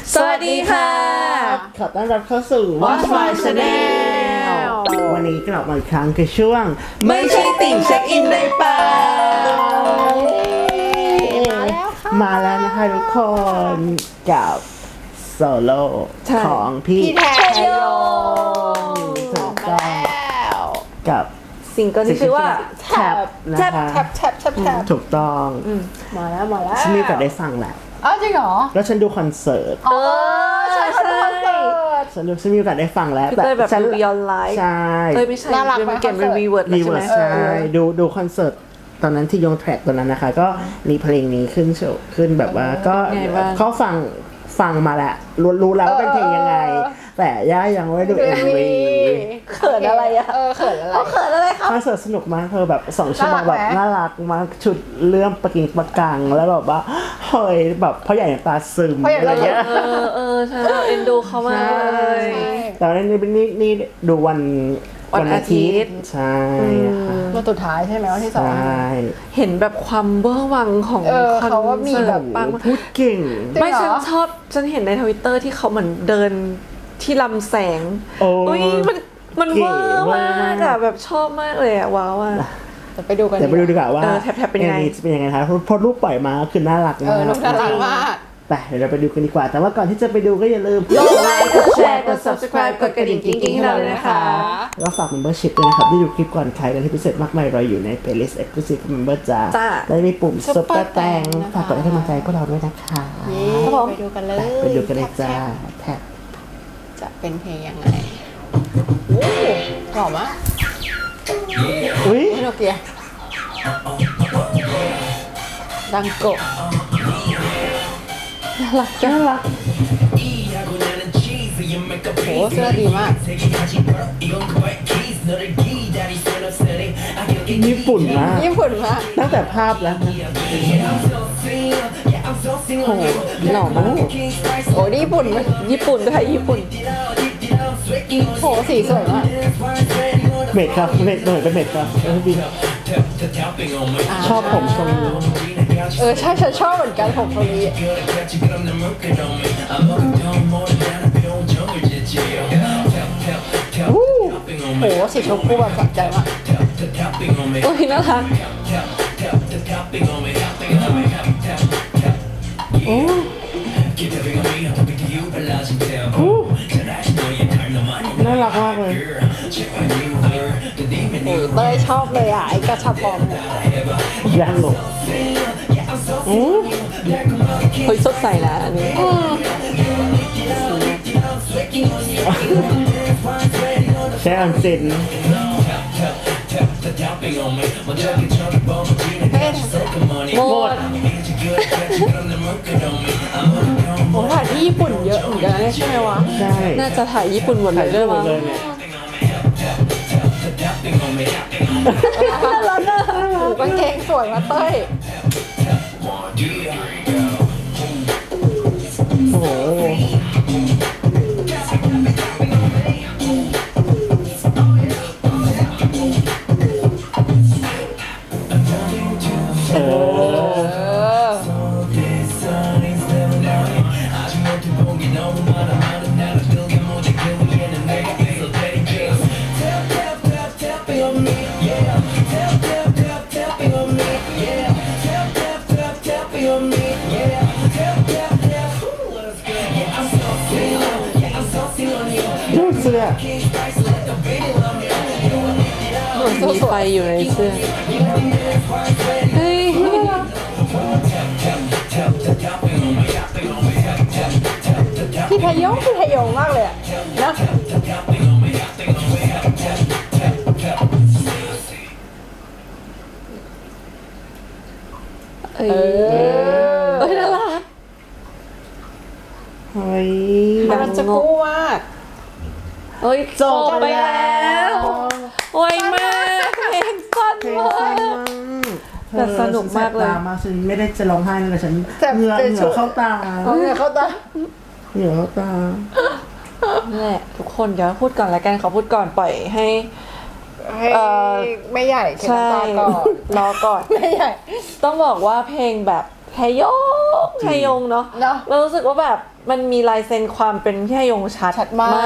สวัสดีค่ะขอต้อนรับเข้าสู่ Watch My Channel วันนี้กลับมาอีกครั้งคือช่วงไม่ใช่ติ่งเช็คอินได้เปล่ามาแล้วนะคะทุกคนกับโซโล่ของพี่แทโยถูกต้องกับซิงเกิลที่ชื่อว่าแท็บนะคะแท็บถูกต้องมาแล้วฉันมีโอกาสได้ฟังแหละอ้าวจริงเหรอแล้วฉันดูคอนเสิร์ตใช่คอนเสิร์ตฉันมีโอกาสได้ฟังแล้วพี่เต้ยแบบฉันดู Beyond Live ใช่ไม่ใช่น่ารักไหมเป็นเกมเป็นคอนเสิร์ตรีเวิร์ดรีใช่เวิไหมร์สใช่ดูคอนเสิร์ตตอนนั้นที่ยงแทร็กตัวนั้นนะคะ ก็มีเพลงนี้ขึ้นโชว์ขึ้นแบบว่าก็เขาฟังมาแหละรู้แล้วว่าเป็นเพลงยังไง แต่ย่ายังไม่ดู MV เขินอะไรอะเขินอะไรเขินอะไรครับคอนเสิร์ตสนุกมากเธอแบบ2 ชั่วโมงแบบน่ารักไหมน่ารักมากชุดเรื่องประกิงประกังแล้วแบบว่าเฮ้ยแบบพ่อใหญ่น้ำตาซึมอะไรเงี้ยใช่เราเอ็นดูเขามากเลยแต่ว่านี่ดูวันอาทิตย์ใช่ค่ะวันสุดท้ายใช่ไหมวันที่สองใช่เห็นแบบความเบอร์วังของคอนเขาว่ามีเสิแบร์บตปังพูดเก่งไม่ฉันเห็นในทวิตเตอร์ที่เขาเหมือนเดินที่ลำแสงโอ้อุ้ยมันเวอร์มากอะแบบชอบมากเลยอะว้าวอะจะไปดูกันเดี๋ยวไปดูดีกว่าว่าแท็บเป็นยังไงจะเป็นยังไงคะเพราะรูปปล่อยมาคือน่ารักมากลูกน่ารักมากแต่เดี๋ยวเราไปดูกันดีกว่า แต่ว่าก่อนที่จะไปดูก็อย่าลืมกดไลค์กดแชร์กด subscribe กดกระดิ่งกิ๊งๆให้เราเลยนะคะแล้วฝาก membership ด้วยนะครับที่ดูคลิปก่อนใครกันที่พิเศษมากมายรออยู่ใน playlist exclusive member จ้าจ้าและมีปุ่ม super แตงนะคะฝากกดให้กำลังใจพวกเราด้วยนะคะไปดูกันเลยไปดูกันเลยจ้าแท็บจะเป็นเพลงยังไงโอ้หล่อมากอุ้ยโนเกียดังโกะน่ารักโหเสื้อดีมากญี่ปุ่นมากญี่ปุ่นมากตั้งแต่ภาพแล้วนะโหหล่อมากโอ้นี่ญี่ปุ่นไหมญี่ปุ่นด้วยญี่ปุ่นโหสีสวยมากเมดครับเมดเหมือนเป็นเมดครับดีชอบผมทรงนี้ใช่ฉันชอบเหมือนกันผมตรงนี้โหสีชมพูแบบสะใจมากโอ้ยน่ารักน่ารักมากเลยโอ้ยเต้ยชอบเลยอ่ะไอ้กระชับปอมเนี่ยย่างหลงเฮ้ยสดใสนะอันนี้ใช้อันเซนหมดโอ้ถ่ายที่ญี่ปุ่นเยอะเหมือนกันนะเนี่ยใช่ไหมวะใช่น่าจะถ่ายญี่ปุ่นหมดเลยด้วยหมมั้ดงเลยเนี่ยกางเกงสวยมาเต้ยโอ้โหเออ ดูเสื้อมีไฟอยู่ในเสื้อเฮ้ยพี่พยงมากเลยอะนะเอ้ยน่ารักเฮ้ยมันจะกู้มากเฮ้ยจบไปแล้วไวมากเพลงสั้นเพลงมาสั้นกมากแต่สนุกมากเลยฉันแสบตมาฉันไม่ได้จะร้องไห้เลยฉันแต่เหงื่อเข้าตาเอาเนี่ยเข้าตาเหงื่อเข้าตานั่นแหละทุกคนเดี๋ยวพูดก่อนละกันเขาพูดก่อนปล่อยให้ให้ไม่ใหญ่เขียนใช่ตาก่อนรอก่อนไม่ใหญ่ต้องบอกว่าเพลงแบบไทยงเนาะเนอะเรารู้สึกว่าแบบมันมีลายเซ็นความเป็นพี่ฮยงชัดมาก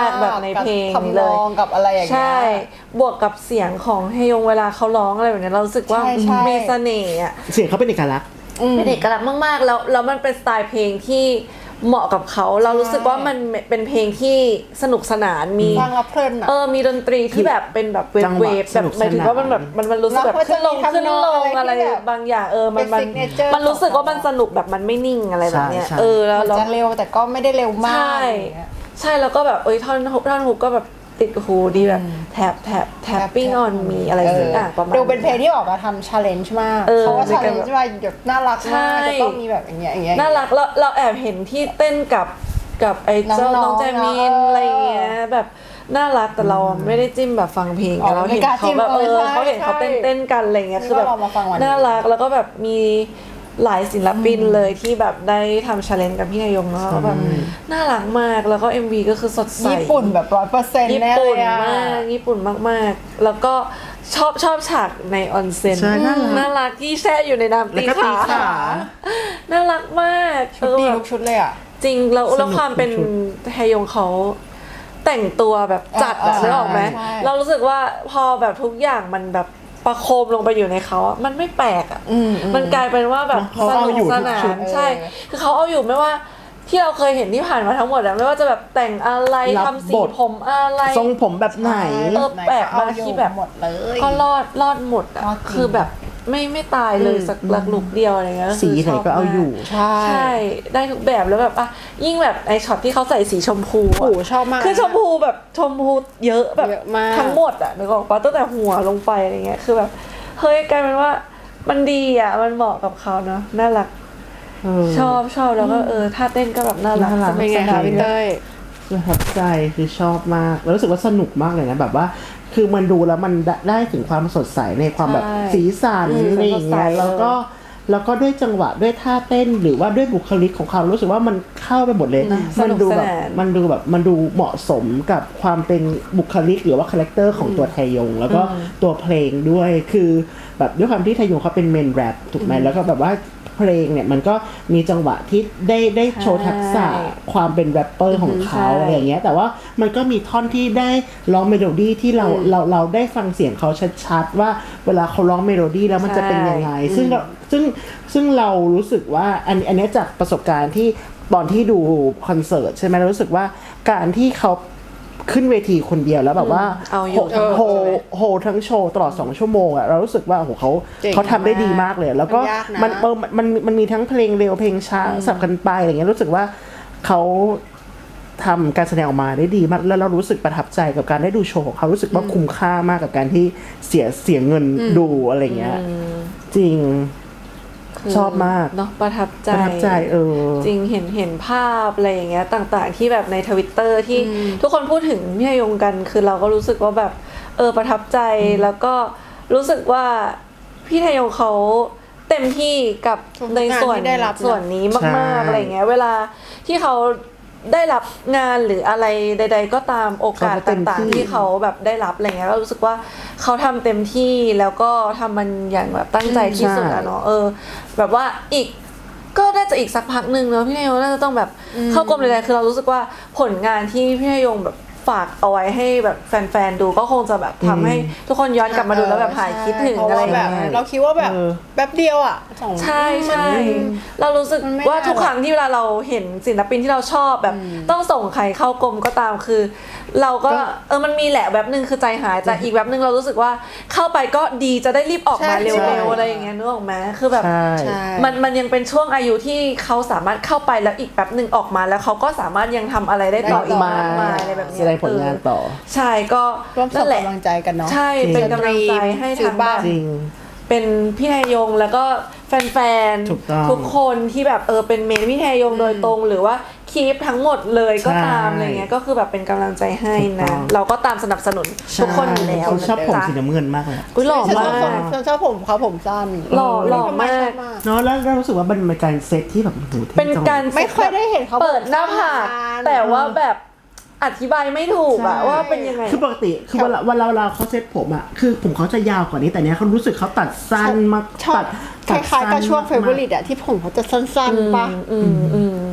แบบในเพลงกับนี้ทำเลนยองกับอะไรอย่างเงี้ยใช่บวกกับเสียงของฮยงเวลาเขาร้องอะไรแบบนี้เรารู้สึกว่าใช่มีเสน่ห์อะเสียงเขาเป็นเอกลักษณ์เป็นเอกลักษณ์มากๆแล้วมันเป็นสไตล์เพลงที่เหมาะกับเขาเรารู้สึกว่ามันเป็นเพลงที่สนุกสนานมีฟังแล้วเพลินอ่ะมีดนตรีที่แบบเป็นแบบเวจัฟงหเววะฟแบบหมายถึงว่ามันแบบมันรู้สึกแบบแล้วก็ขึ้นลงจะมีขึ้นลงทำนองอะอะไร ไรที่แบบบางอย่างมันเป็น signature มันรู้สึกว่ามันสนุกแบบมันไม่นิ่งอะไรแบบเนี้ยใช่แล้วมันจะเร็วแต่ก็ไม่ได้เร็วมากใช่อย่างเงี้ยใช่แล้วก็แบบท่อนฮุกก็แบบติดหูดีแบบแท็บปิ้งออนมีอะไรสักอย่างประมาณดูเป็นเพลงที่ออกมาทำ challenge มากเขาว่า challenge มาแบบน่ารักมากจะต้องมีแบบอย่างเงี้ยน่ารักเราแอบเห็นที่เต้นกับไอ้เจ้าน้องๆน้องแจมินเนอะอะไรอย่างเงี้ยแบบน่ารักแต่เราไม่ได้จิ้มแบบฟังเพลงอ๋อเราเห็นไม่กล้าจิ้เขามแบบใช่เขาเห็นเขาใช่เต้นกันอะไรเงี้ยคือแบบเรามาฟังวันนี้น่ารักแล้วก็แบบมีหลายศิลปินเลยที่แบบได้ทำชาเลนจ์กับพี่นายงเนาะแล้วแบบน่ารักมากแล้วก็ MV ก็คือสดใสญี่ปุ่นแบบ100% ญี่แน่เลปุ่นยอะมากญี่ปุ่นมากๆ แล้วก็ชอบฉากในออนเซ็นใช่น่ารักน่ารักที่แช่อยู่ในน้ำแล้วก็ตีขาน่ารักมากชุดดีทุกชุดเลยอ่ะจริงแล้วสนุกความเป็นทุกชุดไฮยงเขาแต่งตัวแบบจัดอะใช่นึกออกไหมใช่เรารู้สึกว่าพอแบบทุกอย่างมันแบบประโคมลงไปอยู่ในเขาอะมันไม่แปลกอะมันกลายเป็นว่าแบบเขาสเอานุกอยู่สทุกนาชุดนใช่ คือเขาเอาอยู่ไม่ว่าที่เราเคยเห็นที่ผ่านมาทั้งหมดอะไม่ว่าจะแบบแต่งอะไรรับทำสีบทผมอะไรทรงผมแบบไหนแปลกมากที่แบบหมดเลยก็รอดหมดอะรอดจริงคือแบบไม่ตายเลยสักลักลุกเดียวอะไรเงี้ยสีไหนก็เอาอยู่ใช่ใช่ได้ทุกแบบแล้วแบบอ่ะยิ่งแบบไอช็อตที่เขาใส่สีชมพูโอ้อะโหชอบมากคือชมพูแบบชมพูเยอะแบบเยอะมากทั้งหมดอะนึกออกปะตั้งแต่หัวลงไปอะไรเงี้ยคือแบบเฮ้ยกลายเป็นว่ามันดีอะมันเหมาะกับเขาเนาะน่ารัก ชอบแล้วก็ท่าเต้นก็แบบน่ารักน่ารักสเป็นนุกไงสคะนานพี่เต้ยประทับใจคือชอบมากแล้วรู้สึกว่าสนุกมากเลยนะแบบว่า คือมันดูแล้วมันได้ถึงความสดใสในความแบบสีสันอะไรอย่างเงี้ยแล้วก็ด้วยจังหวะด้วยท่าเต้นหรือว่าด้วยบุคลิกของเขารู้สึกว่ามันเข้าไปหมดเลยมันดูแบบมันดูเหมาะสมกับความเป็นบุคลิกหรือว่าคาแรคเตอร์ของตัวไทยงแล้วก็ตัวเพลงด้วยคือแบบด้วยความที่ไทยงเขาเป็นเมนแรปถูกไหมแล้วก็แบบว่าเพลงเนี่ยมันก็มีจังหวะที่ได้โชว์ทักษะความเป็นแรปเปอร์ของเขาอะไรอย่างเงี้ยแต่ว่ามันก็มีท่อนที่ได้ร้องเมโลดี้ที่เราได้ฟังเสียงเขาชัดๆว่าเวลาเขาร้องเมโลดี้แล้วมันจะเป็นยังไงซึ่งเรารู้สึกว่าอันนี้จากประสบการณ์ที่ตอนที่ดูคอนเสิร์ตใช่ไหมเรารู้สึกว่าการที่เขาขึ้นเวทีคนเดียวแล้วแบบว่าเอาอยู่โหทั้งโชว์ตลอด2ชั่วโมงอะเรารู้สึกว่าโอ้โหเจ๋งเขาทำได้ดีมากเลยแล้วก็มันยากนะมันมีทั้งเพลงเร็วเพลงช้าสับกันไปอะไรเงี้ยรู้สึกว่าเขาทำการแสดงออกมาได้ดีมากแล้วเรารู้สึกประทับใจกับการได้ดูโชว์ของเขารู้สึกว่าคุ้มค่ามากกับการที่เสียเงินดูอะไรเงี้ยจริง ชอบมากเนาะประทับใจจริงเห็นภาพอะไรอย่างเงี้ยต่างๆที่แบบในทวิตเตอร์ที่ทุกคนพูดถึงพี่ฮยงกันคือเราก็รู้สึกว่าแบบประทับใจแล้วก็รู้สึกว่าพี่ฮยงเขาเต็มที่กับในส่วนงานที่ได้รับนะส่วนนี้ใช่มากๆอะไรอย่างเงี้ยเวลาที่เขาได้รับงานหรืออะไรใด ๆ ก็ตามโอกาสต่างๆที่เขาแบบได้รับอะไรเงี้ยก็รู้สึกว่าเขาทำเต็มที่แล้วก็ทำมันอย่างแบบตั้งใจที่สุดอะเนาะแบบว่าอีกก็น่าจะอีกสักพักหนึ่งเนาะพี่นายงน่าจะต้องแบบเข้ากรมใดๆคือเรารู้สึกว่าผลงานที่พี่นายงแบบฝากเอาไว้ให้แบบแฟนๆดูก็คงจะแบบทำให้ทุกคนย้อนกลับมาดูแล้วแบบหายคิดถึงอะไรอย่างแบบเงี้ยเราคิดว่าแบบแป๊บเดียวอ่ะ2 ใช่เรารู้สึกมันไม่ว่าได้ทุกครั้งที่เวลาเราเห็นศิลปินที่เราชอบแบบต้องส่งใครเข้ากรมก็ตามคือ เราก็มันมีแหละแบบนึงคือใจหายแต่อีกแบบนึงเรารู้สึกว่าเข้าไปก็ดีจะได้รีบออกมาเร็วๆอะไรอย่างเงี้ยนึกออกไหมคือแบบใช่มันยังเป็นช่วงอายุที่เขาสามารถเข้าไปแล้วอีกแบบนึงออกมาแล้วเขาก็สามารถยังทำอะไรได้ต่ออีกมากมายอะไรแบบแสเนี้ยดงผลงานต่อใช่ก็ร่วมส่นั่งนแหละกำลังใจกันเนาะใช่เป็นกำลังใจให้ทางบ้านจริงเป็นพี่ไทยงแล้วก็แฟนถูกต้องทุกคนที่แบบเป็นเมนพี่ไทยงโดยตรงหรือว่าคีปทั้งหมดเลยก็ตามใช่อะไรเงี้ยก็คือแบบเป็นกำลังใจให้ถูกต้นะองเราก็ตามสนับสนุนทุกคนอยู่แล้วเขาชอบผมนะสีจ๊ะน้ำเงินมากเลยอุ้ยหล่อฉันมาชอบกผมเขาผมสั้นหล่อมากเนาะแล้วรู้สึกว่ามันเป็นการเซตที่แบบโอ้โหท่เป็นจังการไม่ค่อยได้เห็นเขาเปิดหน้าผากผมสั้นแต่ว่าแบบอธิบายไม่ถูกอะว่าเป็นยังไงคือปกติคือเวลาเขาเซตผมอะคือผมเขาจะยาวกว่านี้แต่เนี้ยเขารู้สึกเขาตัดสั้นมากชอบคล้ายๆกับช่วงเฟเวอริตอะที่ผมเขาจะสั้นๆปะ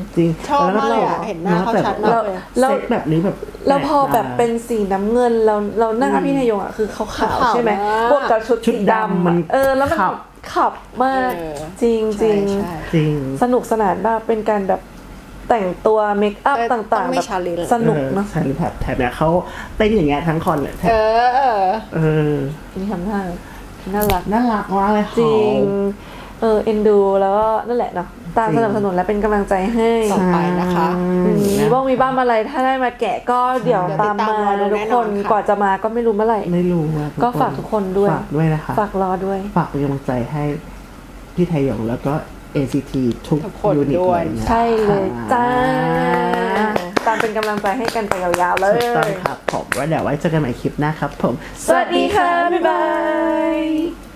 จริงชอบมากเลยอะเห็นหน้าเขาชัดมากเลยเซ็ตแบบนี้แบบแล้วพอแบบเป็นสีน้ำเงินเราหน้าพี่นายยงอ่ะคือขาวๆใช่ไหมขาวมากบวกกับชุดชุดสีดำมันแล้วมันขับขับมากเออจริงจริงใช่จริงสนุกสนานมากเป็นการแบบแต่งตัวเมคอัพเออต่างต้องๆไม่แบบ challenge สนุกเนาะใช่หรือแบบแถบเนี้ยเขาเต้นอย่างเงี้ยทั้งคอนเลยแถบเออเออนี่ทำท่าน่ารักน่ารักมากเลยจริงเขาเอ็นดูแล้วก็นั่นแหละเนาะตามจริงสนับสนุนและเป็นกำลังใจให้ต่อไปนะคะมีบ้างมีบ้างอะไรถ้าได้มาแกะก็เดี๋ยวเดี๋ยวตามมาติดตามรอดูทุกแน่คนอนค่ะกว่าจะมาก็ไม่รู้เมื่อไหร่ไม่รู้อะก็ฝากทุกคนด้วยฝากด้วยนะคะฝากรอด้วยฝากเป็นกำลังใจให้พี่ไทยองแล้วก็ ACT ทุกทุกคนยูนิตด้วเลย ยนะใช่เลยจ้าค่ะตามเป็นกำลังใจให้กันไปยาวๆเลถูกต้องยครับผมว่าเดี๋ยวไว้เจอกันใหม่คลิปหน้าครับผมสวัสดีค่ะ บ๊ายบาย